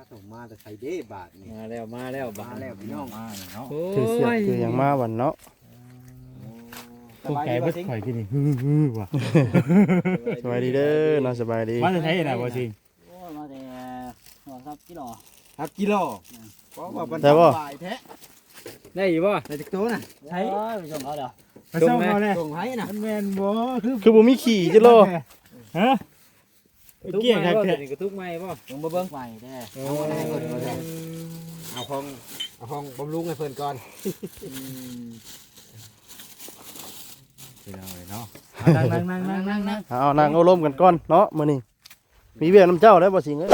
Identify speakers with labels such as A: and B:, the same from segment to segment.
A: ส่งมาแต่ใครเด้บาทนี่
B: มาแล้ว
A: พี่น้อง
B: มาเนาะ
C: คือเสียบคืออย่างมาวันเนาะ
B: ตกใจเบิดข่อยกินนี่ว่ะ
C: สบายดีเด้อเนาะสบายดี
B: มาจะใช้น่ะบ่จริง
D: โอ้ยมาแต่หัวครับกิโล
A: ครับกิโลเพราะว่ามัน
C: แต่บ่
A: บ่ายแท้
B: ได้อยู่บ่
A: แต่จักโตน่ะ
D: ใช่ไปชมเขาเดี๋ยว
B: ไปส่งเขาแน่
A: ส่งให้น่ะ
B: มันแม่นบ่คือ
C: คือบ่มีขี่จิโล
B: ฮะเกี่ยงครับแท้
D: กระทุกไม้ป่ะลงมาเบิ้งไม้แท้
A: เอาห้องบำรุงให้เพิ่นก่อน
B: ไปเอาเลยเนาะนั่ง
C: เอานั่งเอาลมกันก่อนเนาะมื้อนี้มีเวียกน้ำเจ้าแล้วบ่สิงเอ้ย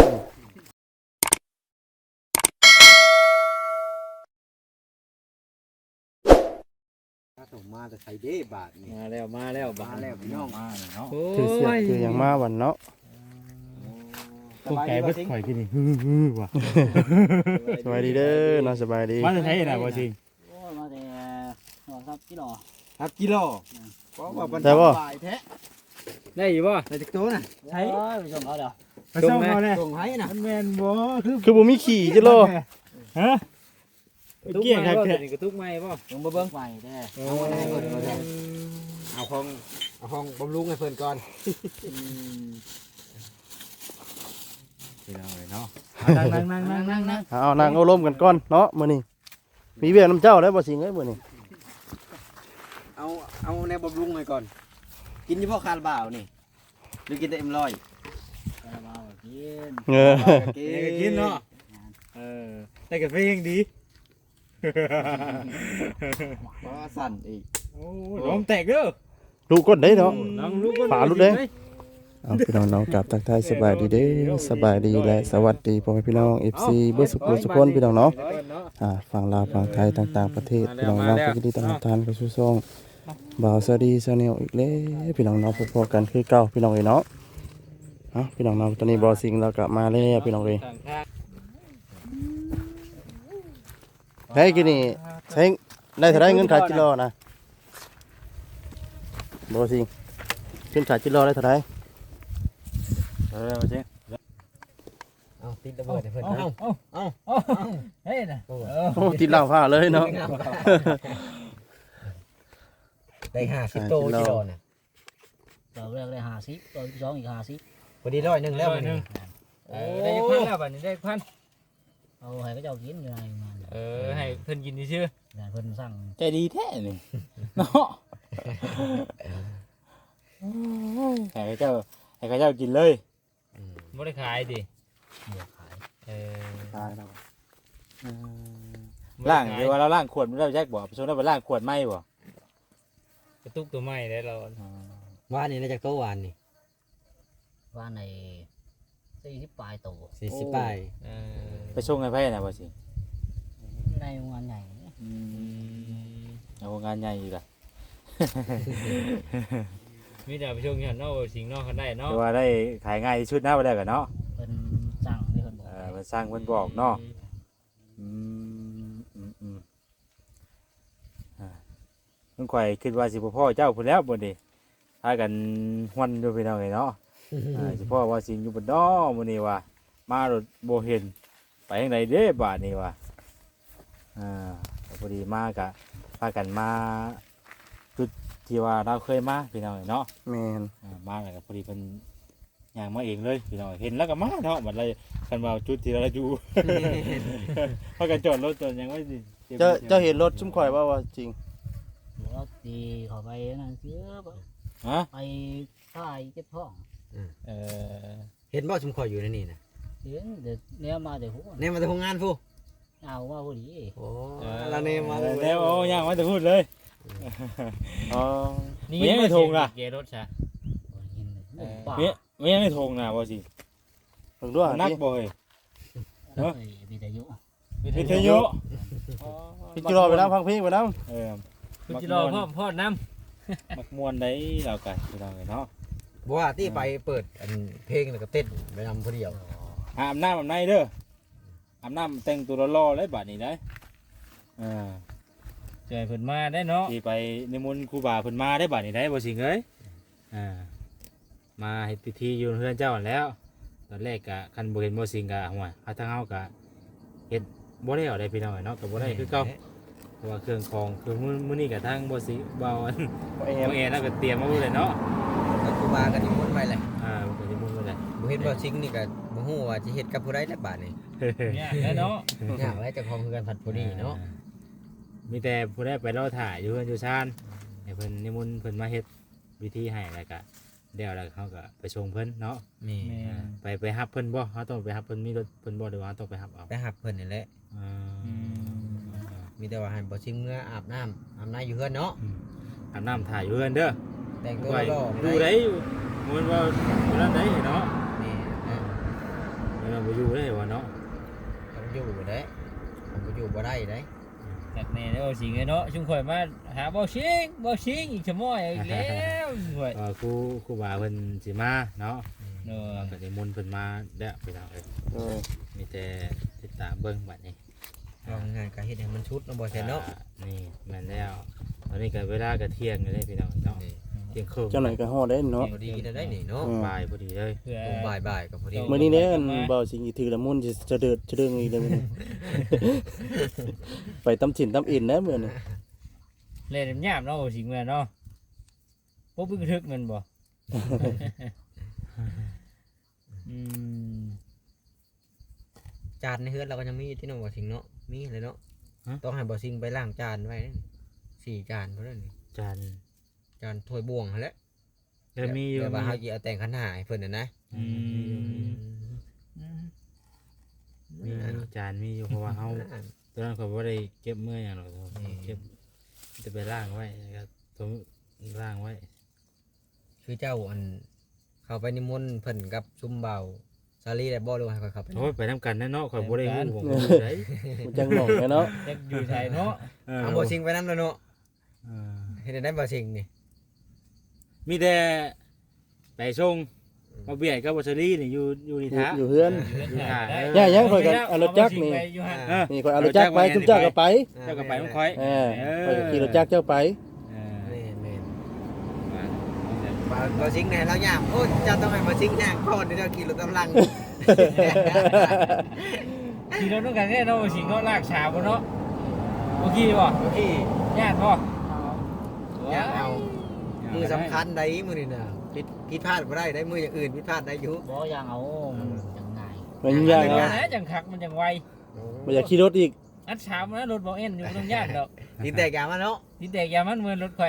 A: ส่งมาแต่ใครเด้บาทนี่
B: มาแล้ว
A: พี่น้อง
B: มาเนาะ
C: คือเสียบคืออย่างมาวันเนาะ
B: ตกใจเบิดข่อยกินนี่ว่ะ
C: สบายดีเด้อเนาะสบายดี
B: มาจะใช้น่ะบ่จริง
D: โอ้ยมาแต่หัวครับกิโล
A: ครับกิโลเพราะว่ามัน
C: แต่บ่
A: บ่ายแท้
B: ได้อยู่บ่
A: แต่จักโตน่ะ
D: ใช่ไปชมเขาเดี๋ยว
B: ไปส่งเขาแน่
A: ส่งให้น่ะ
B: มันแม่นบ่คือ
C: คือบ่มีขี่จิโล
B: ฮะเกี่ยงครับแท้
D: กระทุกไม้ป่ะลงมาเบิ้งไม้แท้
A: เอาห้องบำรุงให้เพิ่นก่อน
B: ไปเอาเลยเนาะนั่ง
C: เอานั่งเอาลมกันก่อนเนาะมื้อนี้มีเวียกน้ำเจ้าแล้วบ่สิงเอ้ยมื้อนี้
A: เอาแนวบำรุงให้ก่อน กินเฉพาะคาราบาวนี่หรือกินแต่เอ็มร้อย
D: มากิน
C: เออ
B: กินเนาะได้กาแฟยังดี
A: เพราะว่าสั่นอีก
B: โอ้น้องแตกเด้อ
C: ลูกกดได้เนาะ
B: น้องลูก
C: ฝาลูกเด้ เอาพี่น้องๆกลับทักทายสบายดีเด้อสบายดีและสวัสดีพ่อแม่พี่น้อง FC เบิดสุขสุขคนพี่น้องเนาะฝั่งลาวฝั่งไทยต่างๆประเทศพี่น้องๆก็ยินดีต้อนรับท่านเข้าสู่ช่องบ่าวสวัสดีชาแนลอีกแล้วพี่น้องเนาะพบกันคือเก่าพี่น้องเอ้ยเนาะพี่น้องเนาะตอนนี้บ่าวสิงห์เรากลับมาแล้วพี่น้องเอ้ยเฮ้ยกินนี่ใช้ได้เท่าไรเงินขายจิโลนะบ่าวสิงห์เงินขายจิโลได้เท่าไร
B: จริง
A: เอาติดระเบิดให้เพิ่นเอา
D: เฮ้ยนะ
C: โอ้ติดเหล้าผ้าเลยเนาะ
A: ได้50โตกิโลน่ะ
D: ตัวแรกเลย50ตัวที่สองอีก50
A: พอดี100นึงแล้วมื้อนี้
B: ได้พันแล้วบัดนี้ได้พัน
D: เอาให้เขาเจ้ากินอยู่ในงาน
B: ให้เพิ่นกินชื่อง
D: านเพิ่นสั่ง
B: ใจดีแท้นี่เนาะให้เขาเจ้ากินเลยบ่ได้ขายดิ
D: เดี๋ยวขาย
C: ตายแล้ว
B: ล่างเดี๋ยวว่าเราล่างขวดมันได้แจ็คบ่ไปส่งได้ไปล่างขวดไหมบ่
E: กระตุกตัวใหม่ได้เรา
A: ว่านี่น่าจะโตหวานนี่
D: ว่าใน40ปลายโต
A: 40ปลาย
B: ไปส่งให้ไผน่ะบ่สิ
D: ในงานใหญ่
B: เอางานใหญ่อยู่ล่ะ
E: มีแต่ไปชมกันนอกสิ่งนอกกันได้เนาะ
B: แต่ว่าได้ขายง่ายที่สุดนะบ่ได้ก็เนาะ
D: เพิ่นสั่งที่เพิ่นบอก
B: เพิ่นสร้างเพิ่นบอกเนาะเพิ่นข่อยคิดว่าสิบ่พ่อเจ้าพุ่นแล้วบ่ดิพากันฮวนอยู่พี่น้องเอ้ยเนาะสิพ่อว่าสิอยู่บ่ดอมื้อนี้ว่ามารถบ่เห็นไปทางใดเด้บาดนี้ว่พอดีมาก็พากันมาจุดที่ว่าเราเคยมาพี่น้องเอ้ยเนาะ
C: แม่น
B: มาแล้วก็พอดีเพิ่นย่างมาเองเลยพี่น้องเห็นแล้วก็มาเนาะบัดเลยคันว่าจุดที่เราอยู่ พากันจอดรถจอดยังไว้สิ
C: เจ้าเห็นรถชุ่มข่อยว่าจริง
D: แล้วตีเขาไปนั่นเสือ
B: ฮะ
D: ไปค่ายเก็บท้อง
A: เห็นบ่ชุมข่อยอยู่ในนี่น่ะ
D: เดี๋ยวเนี้ยมาแต่หัว
A: แน่มาแต่โรงงานผู้
D: เอาว่าพอดี
A: โอ้ละเนมาเลย
B: แล้วโอ้ย่างมาแต่พูดเลย
C: อ๋อ
B: นี่ไม่ทงล่ะ
E: เกรถใช่
D: ยินป่า
B: ไม่ยังไม่ทงนะบ่สิ
C: เพิ่งด้วย
B: นัก
C: นี่
B: บ่เฮ้ย
D: วิทยุ
B: วิทยุ
C: พี่จิรอไปน้ำพังเพลงไปน้
E: คุณจิรอพ่อน้
B: มักม่วนได้เรากันพี่น้องเนาะ
A: บ่ว่าที่ไปเปิดอันเพลงแล้วก็เต้นไปนำผู้เดียว
B: อาบน้ำอาบในเด้ออาบน้ำแต่งตัวรอๆเลยบัดนี้ได้
E: ำใจเพิ่นมาได้เนาะ
B: ที่ไปนิมนต์ครูบาเพิ่นมาได้บัดนี้ได้บ่สิงเอ้ย
E: มาให้พิธีอยู่เฮือนเจ้าแล้ว
B: ตอนแรกก็คันบ่เห็นบ่สิงก็ห่วยทางเฮาก็เฮ็ดบ่ได้เอาได้พี่น้องเนาะก็บ่ได้คือเก่าเพราะว่าเครื่องของคือมื้อนี้ก็ทางบ่สิเบาอัน
C: บ่แอ
B: บ่แอแล้วก็เตรียมมาไว้เลยเนาะ
A: ก็ครูบาก็นิมนต์ไว้เลย
B: บ่ก็สิมุ่งไว้เลย
A: บ่เห็นบ่ซิงนี่ก็บ่ฮู้ว่าสิเฮ็ดกับผู้ใดแล้วบาดนี้
E: เนี่ยแล้วเนาะ
A: ยากแล้วเจ้าของคือกันผัดผู้นี้เนาะ
B: มีแต่ผู้ใดไปรอถ่ายอยู่เฮือนอยู่ชานให้เพิ่นนิมนต์เพิ่นมาเฮ็ดวิธีให้แล้วก็เดี๋ยวแล้วเขาก็ไปส่งเพิ่นเนาะ
A: นี่
B: ไปรับเพิ่นบ่เขาต้องไปรับเพิ่นมีรถเพิ่นบ่หรือว่าเราต้องไปรับเอา
A: ไปหับเพิ่นนี่แหละ
B: อ่า
A: มีแต่ว่าให้บ่ซิงเมื่ออาบน้ำอยู่เฮือนเนาะ
B: อาบน้ำถ่ายอยู่เฮือนเด้อ
A: แต่งตัว
B: ไว้
A: รอ
B: อยู่ได้อยู่มันว่าอยู่นั่นได้เนาะ
A: นี่นะ
B: มันบ่อยู่ได้ว่าเนาะ
A: ต้องอยู่เด้ผมบ่อยู่บ่ได้เด้
E: จากแน่แล้วบ่สิงเนาะชุมข่อยมาหาบ่สิงอีกชั่วโมงอีกแล้วข่อย
B: ครูบาเพิ่นสิมาเนาะ
E: เนาะ
B: ก็นิมนต์เพิ่นมาแล้วพี่น้องเอ้ย
C: เออ
B: มีแต่ติดตามเบิ่งบัดนี้
A: ลองงานก็เฮ็ดให้มันชุดเนาะบ่แซ่นเนาะ
B: นี่แม่นแล้วตอนนี้ก็เวลาก็เที่ยงอยู่เลยพี่น้องเนาะ
A: นี่
B: เที่ยงครึ่ง
C: เจ้าหน่อยก็ฮอดได้เนาะ
A: พอดีกินได้นี่เนาะ
B: บ่ายพอดีเลย
E: เพื่อ
A: ตรงบ่ายๆก็พอดี
C: มื้อนี้เนี่ยเบาสิงอีถือละมุนสิจะเดิดจะเดิงอีกเลยมื้อนี้ ไปตำถิ่นตำอินนะมื้อนี้
E: เล่นยามเนาะบ่สิงแม่นเนาะบ่บึกทึกแม่นบ่อืม
A: จานในเฮือนเราก็ยังมีที่น้องบ่ซิงเนาะมีเลยเนาะต้องให้บ่ซิงไปล้างจานไว้4 จานเท่านั้นนี่
B: จาน
A: จานถ้วยบ่วงหั่นแหละ
B: มีอยู่
A: แต่ว่าเฮาสิเอาแต่งขันหาให้เพิ่นน่ะนะ
E: อืม
B: มีจานมีอยู่เพราะว่าเฮาตอนนั้นเขาบ่ได้เก็บเมื่อหยังหรอกเก็บจะไปล้างไว้แล้วก็ล้างไว้
A: คือเจ้าอันเข้าไปนิมนต์เพิ่นกับซุมเบาซาลีได้บ่หรือว่าให้เขาเข้าไป
B: โอ้ยไปนำกันแน่เนาะข่อยบ่ได้ฮู้ผมบ่รู้ได
C: มันจังหน่องแม่เนาะ
E: จักอยู่ไสเนาะ
A: เอาบ่ซิงไปนำแล้วเนาะ
B: เออ
A: เฮ็ดได้บ่ซิงนี่
B: มีแต่ไปส่งมาเบียดกับบัชรีนี่อยู่นี่ท้า
C: อยู่เฮือน
E: ได้
C: ย่ายังข่อยก็เอารถจักรนี่
E: ไปอยู่หั่น
C: นี่ข่อยเอารถจักรไปทุกเจ้าก็ไป
B: เจ้าก็ไปของข่อย
C: เออข่อยก็ขี่รถจักรเจ้าไป
B: เออ
A: แม่น
B: มา
A: ๆบ่ซิงแน่แล้วย่ามโอ้เจ้าต้องให้บ่ซิงย่างก่อนเดี๋ยวเจ้าขี่รถตำลัง
E: ขี่รถต้องกันแน่เนาะบ่สิงเนาะลากชาบ่เนาะบ่ขี่บ่
A: โอเค
E: ญาติบ่
A: ย่างเอามือสำคัญได้มื้อนี่น่ะผิดพลาดบ่ได้ได้มืออย่างอื่นผิดพลาดได้อยู่
D: บ่อย่างเอามันจังไง
C: มันยาก
E: เดี๋ยว
C: เนาะ
E: นะจังคักมันจังไว
C: บ่อยากขี่รถอีก
E: อัดชามนะรถบ่เอ็นอยู่บ่ต้องญาติดอก
A: ดินแตกยามาเนาะ
E: ดินแตกยามันเหมือนรถข่อย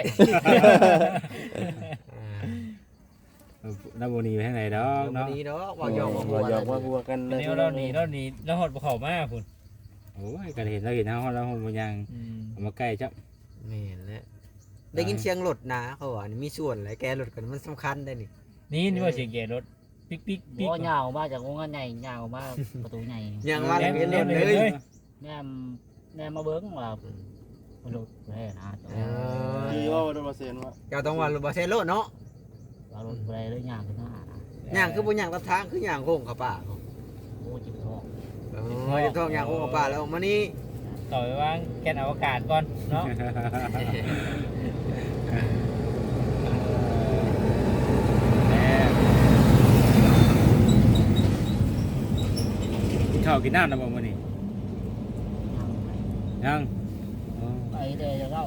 B: น้ำบ่หนีไปทางไหนดอก
A: เนาะ
B: เนาะ
A: นี้เนาะว่าหยอกว่า
C: บ่อยากว่าบัวกัน
E: เดี๋ยวเราหนีเราหดบ่เข้ามาพุ่น
B: โอ้ยก็เห็นแล้วเห็นเฮาแล้วบ่ยัง
E: อืม
B: เอามาใกล้จับ
A: แม่นแล้วได้ยินเสียงรถนะเขาว่านี่มีส่วนหลายแกรถกันมันสำคัญได้นี่
E: นี่ว่าเสียงแก่รถปิ๊กปิ๊กปิ๊ก
D: บ่ยาวมาจากวงเงินใหญ่ยาวมาประตูใหญ่
A: ยังว่าเรียนรถเลย
D: แนมมาเบิ้งว่ามันหลุดไปนะ
C: ขี่ว่าบ่ได้มาเซ็นว่า
A: เจ้าต้องว่ารถบ่ใช่รถเนาะ
D: ว่ารถไปเลยย่างขึ้นหน้า
A: ย่างคือบ่ย่างตามทางคือย่างโค้งเข้าป่า
D: โอ้จิบทอง
A: จะต้องย่างโค้งเข้าป่าแล้วมานี่
E: ต่อไปวางแก๊สอวกาศก่อนเนาะ
B: กินข้าวกินน้ำนะบ่มื้อนี้ยังอ๋อ
D: ไปเดี๋ยวเรา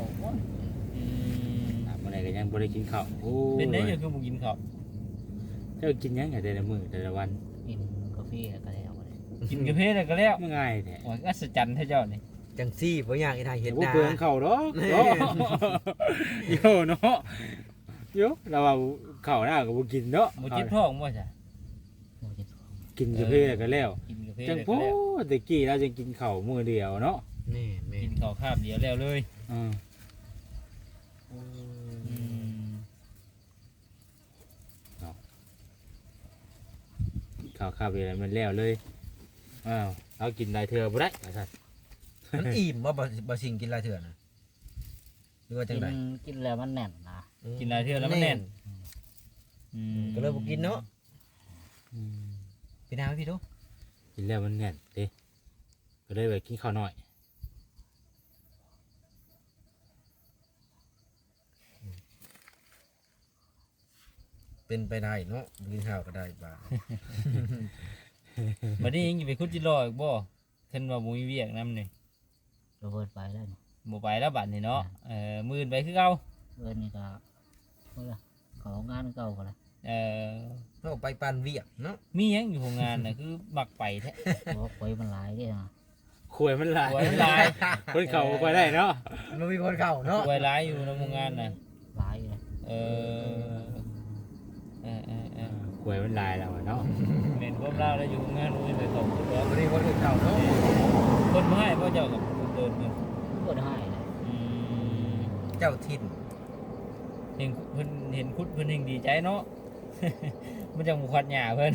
B: มื้อไหนก็ยังบ่ได้กินข้าวโอ้ย
E: เป็นได้ยังคือบ่กินข้าว
B: เจ้ากินหยังแต่ละมื้อแต่ละวัน
D: กินกาแฟก็แล้ว
E: กินกาแฟแล้วก็แล้ว
B: มันง่ายแท้
E: โอ้ยอัศจรรย์แท้เจ้านี่
A: จังซี่บ่ย่างอีทางเฮ็ด
B: บ่
A: นา
B: เปลืองข้าวดอกเนาะโยเนาะโยเราว่าข้าวหน้าก็บ่กินเนาะ
E: บ่จิบท้องบ่จ้ะ
D: โอ้จิบทอง
B: กินกาแฟก็แล้ว
E: กินกาแฟ
B: จัง
E: แล้ว
B: โพ
E: ก็แล้ว
B: ตะกี้เราจะกินข้าวมื้อเดียวเนาะ
A: นี่แม่
E: กินข้าวคาบเดียวแล้วเลย
B: อืม
E: อืม
B: ข้าวคาบเดียวมันแล้วเลยอ้าวเอากินได้เทื่อบ่ได้ว่าซั่น
A: มันอิ่มบ่สิงกินหลายเถื่อนะหรือว่าจังได๋
D: กินแล้วมันแน่นนะ
E: กินหลายเทื่อแล้วมันแน่นอืม
A: ก็เลยบ่กินเนาะ
B: อืม
A: พี่นาพี่ดู
B: กินแล้วมันแน่นเด้ก็เลยไปกินข้าวน้อย
A: เป็นไปได้เนาะกินข้าวก็ได้บ้าง
E: บัดนี้ยังสิไปขุดจิรออีกบ่เพิ่นว่าบ่มีเวียกนำนี่
D: เราเบิดไปแล้วนี่
E: บ่ไปแล้วบัดนี้เนาะมื้ออื่นไปคือเก่า
D: เบิดนี่ก็เมื่อของานเก่าก็แล้ว
A: เฮาไปปานเวียกเนาะ
E: มีหยังอยู่โรงงานน่ะคือมักไปแท้
D: เพราะคุยมันหลายเด้นะ
B: ขวยมันหลาย
E: ป่วยหลาย
B: คนเข้าบ่ได้เนาะ
A: มันมีคนเข้าเนาะ
E: ป่วยหลายอยู่ในโรงงานน่ะ
D: หลายเลย
E: เออ
B: ขวยมันหลายแล้วอะเนาะ
E: แม่นความลาวแล้วอยู่โรงงานบ่มีไปเข้าบ่
A: มันมีคนเข้าเนาะ
E: คนบ่ให้พ่อเจ้ากับคนเดินเงิน
D: เบิดให้เลย
A: เจ้าถิ่น
E: เห็นเพิ่นเห็นคุดเพิ่นเฮงดีใจเนาะ มันจังบ่ควัดหญ้าเพิ่น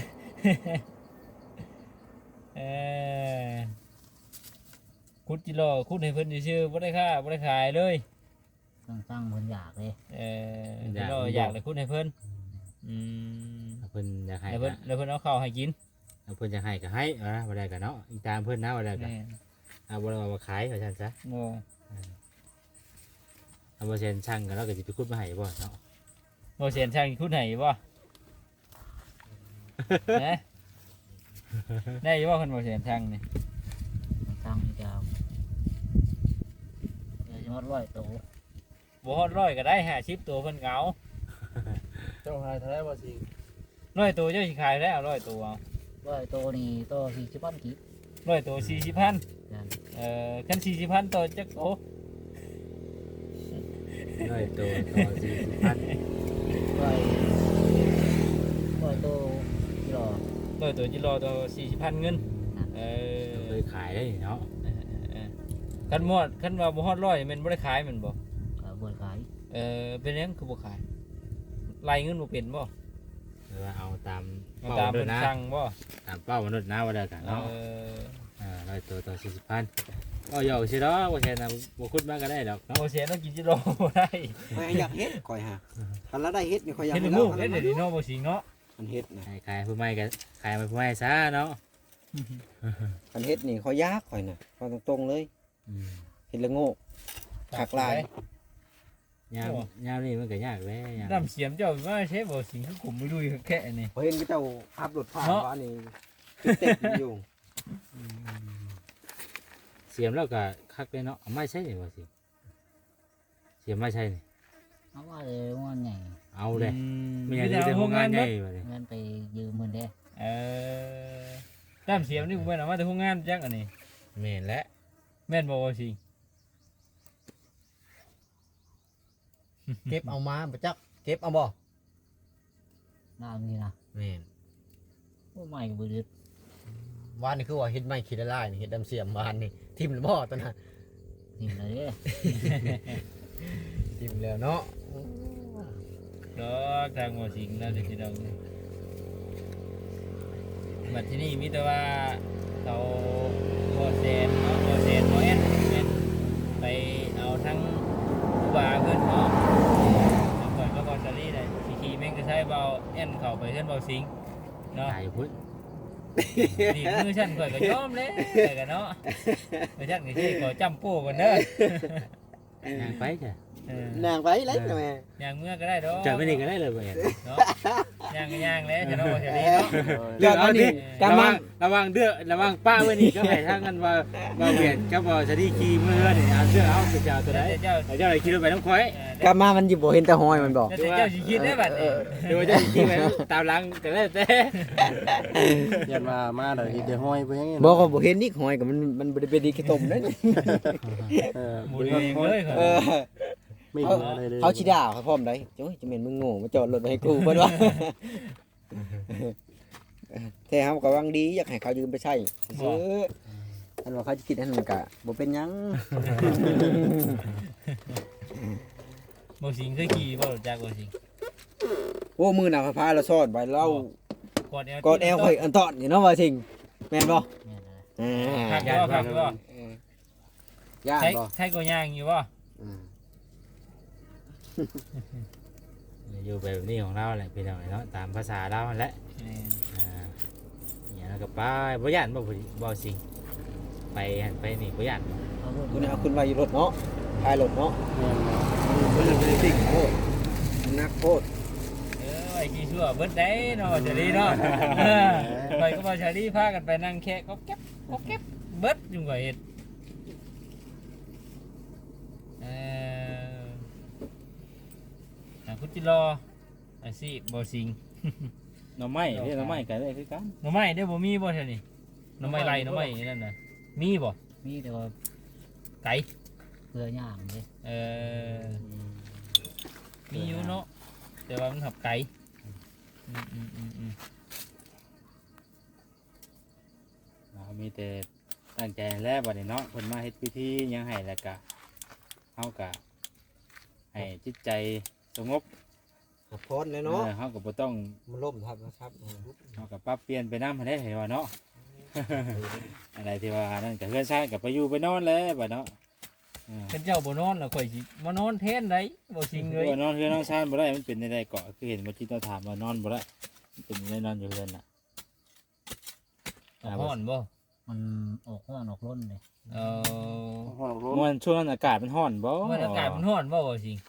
E: คุดจิรอคุดให้เพิ่นซื่อๆบ่ได้ค่าบ่ได้ขายเลย
D: ตั้งเพิ่นอยากเลย
E: จิรออยากได้คุดให้เพิ่น
B: เพิ่นอยากให้
E: แล้วเพิ่นเอาข้าวให้กิน
B: เพิ่นอยากให้ก็ให้บ่ได้ก็เนาะอีตามเพิ่นนะบ่ได้ก็
E: แม่น
B: บ่ได้ว่าขายว่าซั่นซะ
E: โง่
B: บ่เซ็นช่างก็เราก็สิไปขุดมาให้บ่เนาะ
E: บ่เสียนช่างคุดให้บ่ นะได้อยู่บ่เพิ่นบ่เสียนช่างนี่
D: ตั้งอีกแล้วเดี๋ยวจะหมด100ตัว
E: บ่ฮอด100ก็ได้50ตัวเพิ่นก็เอา
C: เจ้าหายเท่าไรบ่สิ
E: 100ตัวเจ้าสิขายได้เอา100ตัวเอา
D: 100ตัวนี่ตัว40พันกี่
E: 100ตัว40,000
D: นั่น
E: คัน40,000ตัวจักโต
B: น้อยตัวต่อ40,000
D: 100ตัวที่รอ
E: 100ตัวจิรอตัว40,000เงิน
B: เคยขายได้เนาะ
E: คันว่าบ่ฮอด100แม่นบ่ได้ขายแม่นบ่
D: ก็เบิดขาย
E: เป็นหยังคือบ่ขายไล่เงินบ่เป็นบ่
B: หรือว่าเอาตาม
E: เอา
B: เป้า
E: ตาม
B: ด้ว
E: เพิ่
B: ย
E: น
B: นะ
E: สั่งบ่
B: ตามเป้ามนุษย์นะว่าได้กันเนาะร้อยตัวต่อ40,000ก็ยอกสิเนาะบ่แค่นั้นบ่ขุดมาก็ได้ดอกเนาะ
E: บ่เสียต้องกินจิรอบ่ได้
A: ข่อยอยากเฮ็ดข่อยหาคันละได้เฮ็ดนี่ข่อยอยาก
E: เฮ็ด
A: ให้
E: ลู
A: เรา
E: กเฮ็ดได้ดีเนาะบ่สิงเนาะ
A: คันเฮ็ดนะ
B: ขายผู้ใหม่ก็ขายมาผู้ใหม่ซะเนาะ
A: คันเฮ็ดนี่ข่อยยากข่อยน่ะข่อยตรงๆเลยเฮ็ดละโง่คักหลาย
B: ยามนี่มันก็ยากแหล้ยาม
E: น้ำเสียมเจ้าว่าใช้บ่สิงคือขุมไม่ลุยแค่นี่
A: ข่อยเห็นเจ้าขับรถผ่าน
E: เนาะ
A: ว่านี่เต็มอยู่
B: เสียมแล้วก็คักเลยเนาะเอาไม้ใช่นี่ว่าสิเสียมไม้ใช่นี่
D: เอาว่าเลยว่าไง
B: เอาเลยไม่อยากจะโรงงานใหญ่ว่านี่
D: เงินไปยืมเพิ่นเด้
E: น้ำเสียมนี่กูแม่นเอามาแต่โรงงานจังอันนี้
A: แม่นและ
E: แม่นบ่ว่าสิง
A: เก็บเอามาบ่จักเก็บเอาบ่
D: น้ามีนะ
A: แม่น
D: โอ้ไม่บ่ดึก
A: วานนี่คือว่าเฮ็ดไม้ขี้ละลายนี่เฮ็ดดำเสียมวานนี่ทิ่มแล้วบ่ตอนนั้น
D: นี่เลยเด้
A: ทิ่มแล้วเนาะ
E: ดอกทางบ่สิงน่าจะสิดอกบัดที่นี่มีแต่ว่าเขาบ่แซนเนาะบ่แซนบ่แอนแม่นไปเอาทั้งผู้บ่าเพิ่นเนาะแล้วก่อนก็บ่ซาลีได้สิขี่แม่งก็ใช้เบาแอนเข้าไปเพิ่นเบาสิงเนาะ
B: ตายพุ่น
E: นี่มือฉันข่อยก็ยอมเลยข่อยก็เนาะมือฉันก็สิขอจำโป้ก่อนเด้อ
B: ยางไปจ้ะ
A: นางไปเลยแม่
E: ย่างเมื่อก็ได้ดอก
B: จะไม่นี่ก็ได้เลยบ่เห็น
E: เนาะย่างก็ย่างแล้วจะเนาะบ่สิเนาะ
B: เรื่องอันนี้
A: กำลัง
B: ระวังเด้อระวังป้าไว้นี่ก็ให้ทางกันว่าเวียนกับบ่สดีขี่มือนี่เอาเสื้อเอาเจ้าตัวใด
E: เจ้า
B: เจ้าไหนขี่รถไปน้ำข่อย
A: กลับมามันสิบ่เห็นแต่หอยมันบอก
E: เจ้าสิคิดได้บัดนี้
B: เดี๋ยวจะขี่ไปตามหลังก็ได้แต่
C: ยันมาเดี๋ยวเฮ็ดได้ห้อยไปยังไง
A: บอกว่าบ่เห็นนี่หอยก็มันบ่ได้เป็นดีขี้ต้มเด้
E: หมุนเองเลยค่ะ
C: ไม่เหลืออะไรเลย
A: เขาสิด่าเขาพร้อมได้โอ้ยจะแม่นมึงโง่มาจอดรถไว้ให้กูเพิ่นว่า แต่เฮาก็หวังดีอยากให้เขายืมไปใช้ซื้ออันว่าเขาจะคิดอันนั้นก็บ่เป็นหยัง
E: บ่สิงเคยขี่บ่รู้จักบ่สิง
A: โอ้มือหน้าพาเราซ่อนไว้เรา
E: กอดแอล
A: กอดแอลข่อยอันตอนอยู่เนาะว่าสิ่งแม่นบ่
D: แม่นเลย
A: อ่า
E: คักบ่
A: ย่าน
E: ใช่
A: บ่
E: ใช่ก็ย่างอยู่บ่
B: อยู่แบบนี้ของเราแหละพี่น้องเนาะตามภาษาเราแหละเนี่ยแล้วก็ไปบ่ย่านบ่สิไปหันไปนี่บ่ย่าน
D: เอาเพิ่น
A: คุณเอาคุณไว้อยู่รถเนาะท้ายรถเนาะมันเป็นสิ่งโคตรมันนักโคตร
E: ไว้อ้กี่ชั่วเบิดได้เนาะจะดีเนาะไปก็บ่ชาลีพากันไปนั่งแค่ก็เก็บเบิดอยู่ว่าเฮ็ดคุณจิรออาชีพบ่สิง
B: หน่อไม้เด้หน่อไม้ก็ได้คือกัน
E: หน่อไม้ได้บ่มีบ่เท่านี้หน่อไม้ไรหน่อไม้นั่นน่ะมีบ่
D: มีแต่ว่า
E: ไก่
D: เกลือย่างเลย
E: มีอยู่เนาะแต่ว่ามันหับไก่
B: มีแต่ตั้งใจแล้วบัดนี้เนาะเพิ่นมาเฮ็ดพิธีหยังให้แล้วก็เฮาก็ให้จิตใจสงบ
A: พอดเลยเนาะ
B: เฮาก็บ่ต้อง
A: มันล่มครับนะครับ
B: เฮาก็ปรับเปลี่ยนไปนำให้ได้เห็นว่าเนาะ อะไรที่ว่านั่นก็เฮือนซ่านก็ไปอยู่ไปนอนแล้วบัดเนาะ
E: เป็นเจ้าบ่นอนแล้วข่อยสิมานอนแทนได้บ่สิงเลย
B: นอนเฮือนนอนซ่านบ่ได้มันเป็นได้เกาะคือเห็นเมื่อกี้เราถามว่านอนบ่ได้มันเป็นได้นอนอยู่เฮือนน่ะ
E: ฮ้อนบ่
D: มันออกห้อนออกร้นเลย
B: มันช่วงนั้นอากาศมันร้อนบ่
E: มันอากาศมันร้อนบ่บ่สิง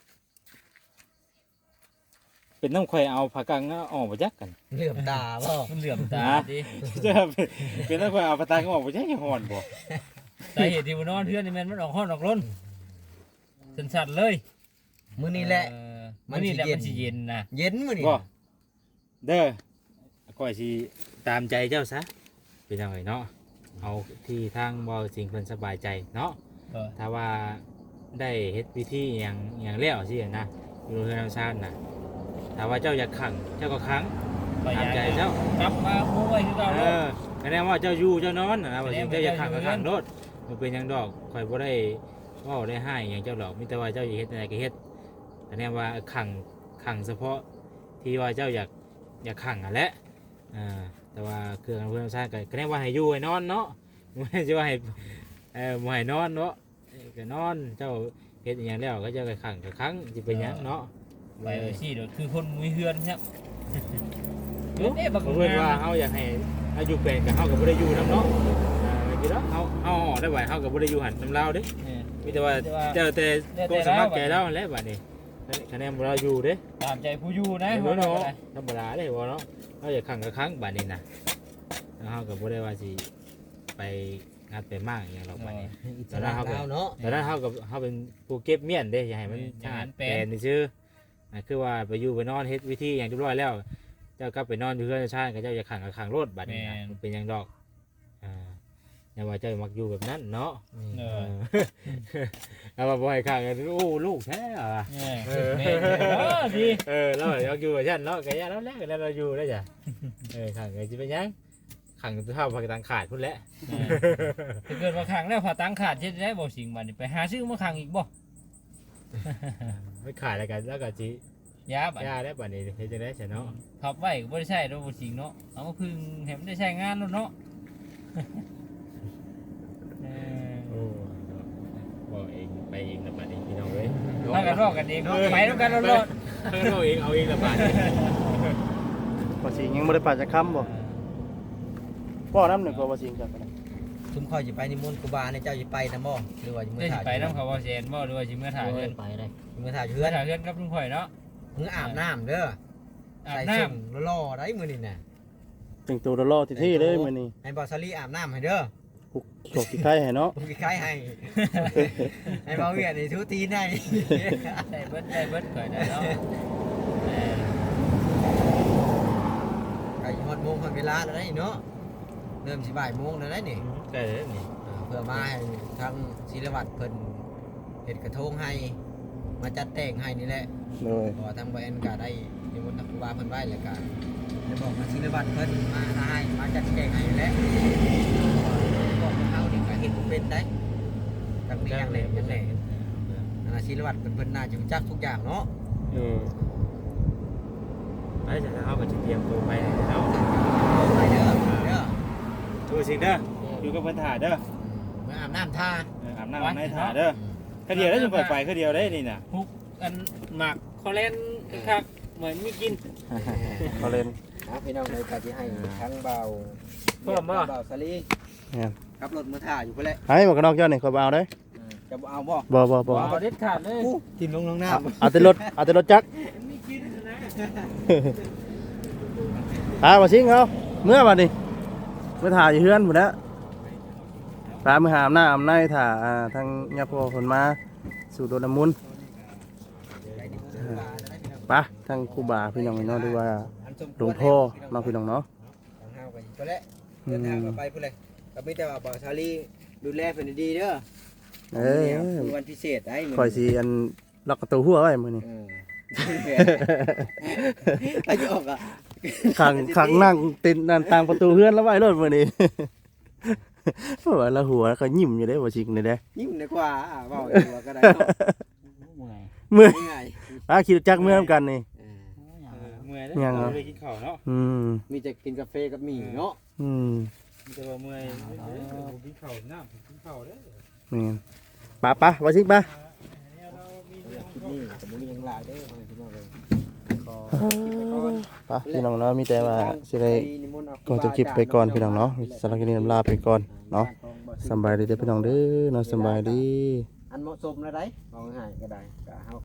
B: เป็นน้ำข่อยเอาผักกังออกบ่จักกัน
A: เหลื่อมตาบ่
E: มันเหลื่อมตาดิ
B: จะเป็นน้ำข่อยเอาผักกังออกบ่จักร้อนบ่
E: สาเหตุที่บ่นอนเทื่อนนี่มันออกฮ้อนออกร้นสั่นๆเลย
A: มื้อนี้แหละ
E: มื้อนี้แหละมันสิเย็นนะ
A: เย็นมื้อนี้
B: บ่เด้อข่อยสิตามใจเจ้าซะเป็นจังไงเนาะเอาที่ทางบ่สิ่งเพิ่นสบายใจเนาะถ้าว่าได้เฮ็ดพิธีหยังแล้วสินะอยู่เฮือนนำซ่านน่ะถ้าว่าเจ้าอยากขังเจ้าก็ขังตามใจเจ้าก
E: ลับมาโอ้ยคือเก่า
B: เอ
E: เนาะ
B: อแสดงว่าเจ้าอยู่เจ้านอนนะว่าสิ่งเจ้าอยากขังก็ขังโลดบ่เป็นหยังดอกข่อยบ่ได้เว้าได้ให้หยังเจ้าดอกมีแต่ว่าเจ้าอยากเฮ็ดอะไรก็เฮ็ดแสดงว่าขังเฉพาะที่ว่าเจ้าอยากขังอ่ะแหละแต่ว่าเครื่องเพื่อนซ่านก็แสดงว่าให้อยู่ให้นอนเนาะไม่ใช่ว่าให้บ่ให้นอนเนาะก็นอนเจ้าเฮ็ดอหยังแล้วก็เจ้าก็ขังก็ขังสิเป็นหยังเนาะ
E: ไปสิเด้อคือคนมุ้ยเฮือนครับเอ๊ะบัก
B: เพื่อนว่าเฮาอยากให้เฮาอยู่เป็นกับเฮาก็บ่ได้อยู่นํเนาะกี่แล้วเฮาได้ไว้เฮาก็บ่ได้อยู่หันนำลาวเด้มีแต่ว่าเจ้าแต่ก็สมัครใจแล้วนั่นแหละบัดนี้คะแนนบ่เราอยู่เด้
E: ตามใจผู้อยู่นะ
B: เนาะธรรมดาเด้บ่เนาะเฮาอยากขังก็ขังบัดนี้น่ะแล้วเฮาก็บ่ได้ว่าสิไปงัดไปมากอหย่างหรอกบัดนี้
A: ตอนนั้นเฮาเนาะ
B: แต่นั้นเฮากับเฮาเป็นผู้เก็บเมียนเด้อย่าให้มันชาดแปลนซื่อคือว่าไปอยู่ไปนอนเฮ็ดวิธีอย่างเรียบร้อยแล้ว เจ้ากลับไปนอนอยู่เพื่อนชาติกับเจ้าจะขังกับขังรถบัดนี้มันเป็นอย่างดอกอย่าว่าเจ้ามักอยู่แบบนั้นเนาะเอาว่าบ่ให้ขังกันโอ้ลูกแท้อ่ะ
E: ดี
B: เราอยากอยู่กับฉันเนาะก็ย่าแล้วแหละแล้วเราอยู่ได้จ้ะขังก็สิเป็นหยังขังตัวเท่าผักตังขาดพุ่นแหละ
E: ถ้าเกิดว่าขังแล้วพอตังขาดเฮ็ดได้บ่สิงบัดนี้ไปหาซื้อมาขังอีกบ่
B: ไม่ขาดอะไรกันแล้วก็สิ
E: ยาบัด
B: ย่าได้บัดนี้เฮ็ดจังได๋ซะเนาะ
E: พับไว้ก็บ่ได้ใช้ดอกบ่สิงเนาะเอามาพึ่งให้มันได้ใช้งานเนาะ
B: โอ้บอกเองไปเองละบัดนี้พี่น้องเอ้ย
E: ถ้ากันรอกกันเองไปนำกันรอด
B: เอาเองละบัดนี้
C: บ่สิยังบ่ได้ปาจักคำบ่บ่น้ำหนึ่งก็บ่สิงจักกัน
A: ชุมข่อยสิไปนิมนต์ครูบาเนี่ยเจ้าสิไปนำบ่หรือว่าสิมื้
E: ได้
A: อ
E: สิ
A: ถ่าย
E: ไปนำเขาว่าแซนบ่หรือว่าสิเมื่อถ่ายเฮือน
D: ไปเลย
A: มื้อถ่าย
E: เฮื
A: เฮื
E: อ
A: อน
E: ถ่ายเฮือนกับลุงข่อยเนาะ
A: มื้ออาบน้ำเด้อ
E: อาบ
A: ใส่
E: น้ำ
A: สุ่มล่อๆได้มื้อนี้น่ะ
C: แต่งตัวรอที่เลยมื้อนี้
A: ให้บ่าวสลีอาบน้ำให้เด้อ
C: ผูกโชคที่ไข่ให้เนาะ
A: ผมคล้ายให้ ให้บ่าวเวียดนี่ทุตีนให้
E: ได้เบิดข่อยได้เนาะ
A: ไก่ฮอดโมงฮอดเวลาแล้วได้เนาะเริ่มสิบ่ายโมงแล้วได้นี่
B: ใกล้แล้วนี่
A: เพื่อมาให้ทางศิลวัตรเพิ่นเฮ็ดกระทงให้มาจัดแต่งให้นี่แหละ
C: เลย
A: เพราะว่าทางบ่แอนก็ได้นิมนต์ทางครูบาเพิ่นไว้แล้วก็ได้บอกมาศิลวัตรเพิ่นมาให้มาจัดแต่งให้นี่แหละบอกเฮานี่ก็เฮ็ดบ่เป็นได้จังนี้อย่างแหล่อย่างแหล่ศิลวัตรเพิ่นน่าจะรู้จักทุกอย่างเนาะ
B: ไปจะเฮาก็สิเตรียมตัวไปเฮา
A: ไปเด้อเด้อ
B: ดูสิเด้ออยู่กับเพิ่นถ่าเด้อ
A: เมื่ออาบน้ำท่า
B: อาบน้ำในถ่าเด้อคือเดียวได้จังไปคือเดียวได้นี่น่ะ
E: ฮุกอันหมักคอเลนคักเหมือนมีกิน
C: เขาเล่น
A: พี่น้องเลยก็สิให้ทั้งเบา
E: เพิ่มบ่
A: เบาสลีขับรถมือท่าอยู่พุ่นแหละ
C: ให้หมวกกันน็อกเจ้านี่ขอยบ่เอาเด้
A: จะเอาบ่
C: บ่
E: เอาเด็ดขาดเลย
A: ทิ่มลงน้ำ
C: เอาแต่รถจักร
E: มีกินนะ
C: บ่ชิงเขาเมื่อบัดนี้เมื่อถ่ายอยู่เฮือนหมดแล้วพามือหามหน้าอำในถ่าทางญาพ่อคนมาสู่โดนน้ำมุนต์ไปทางครูบาพี่น้องเนาะดูว่าหลวงพ่อเนาะพี่น้องเนาะ
A: ทางเฮากันตัวแรกเดินทางกันไปพุ่นเลยก็มีแต่ว่าบ่าวชาลีดูแลเพิ่นดีๆเด้อ คือวันพิเศษได้มื้
C: คอยสิอันล็อกประตูหัวไว้มื้อนี้
A: อายุออกอ่ะ
C: ขังนั่งติดนั่นตางประตูเฮือนแล้วไว้รถมื้อนี้ เพราะว่าละหัวก็ยิ้มอยู่เด้บ่ชิงนี่เด้
A: ยิ้มดีกว่าเว้าดีกว่าก็ได้เนาะ
D: เมื่อย
C: มื้อ
A: ง่าย
C: ขี่รถจักรเมื่อนํกันนี่
E: เมื่อย
C: ยังเหรอ
E: ไปกินข้าวเนาะ
A: มีแต่กินกาแฟกับหมี่เนาะ
E: มีแต่ว่าเมื่อยกินข้าวน้ำกินข้าวเด้อ
C: นี่ปะบ่ชิงปะ
A: คิดนี่แต่บ่มีหยังหลายเด้อพี่น้องเอ้ยขอ
C: ปะพี่น้องเนาะมีแต่ว่าสิได้
A: นิมนต์เอา
C: ก็จะคลิปไปก่อนพี่น้องเนาะสำหรับคลิปนี้ลาไปก่อนเนาะสำบายดีเด้อพี่น้องเด้อเนาะสำบายดี
A: อันเหมาะสมแล้วได้เอาง่ายๆก็ได้ก็เฮา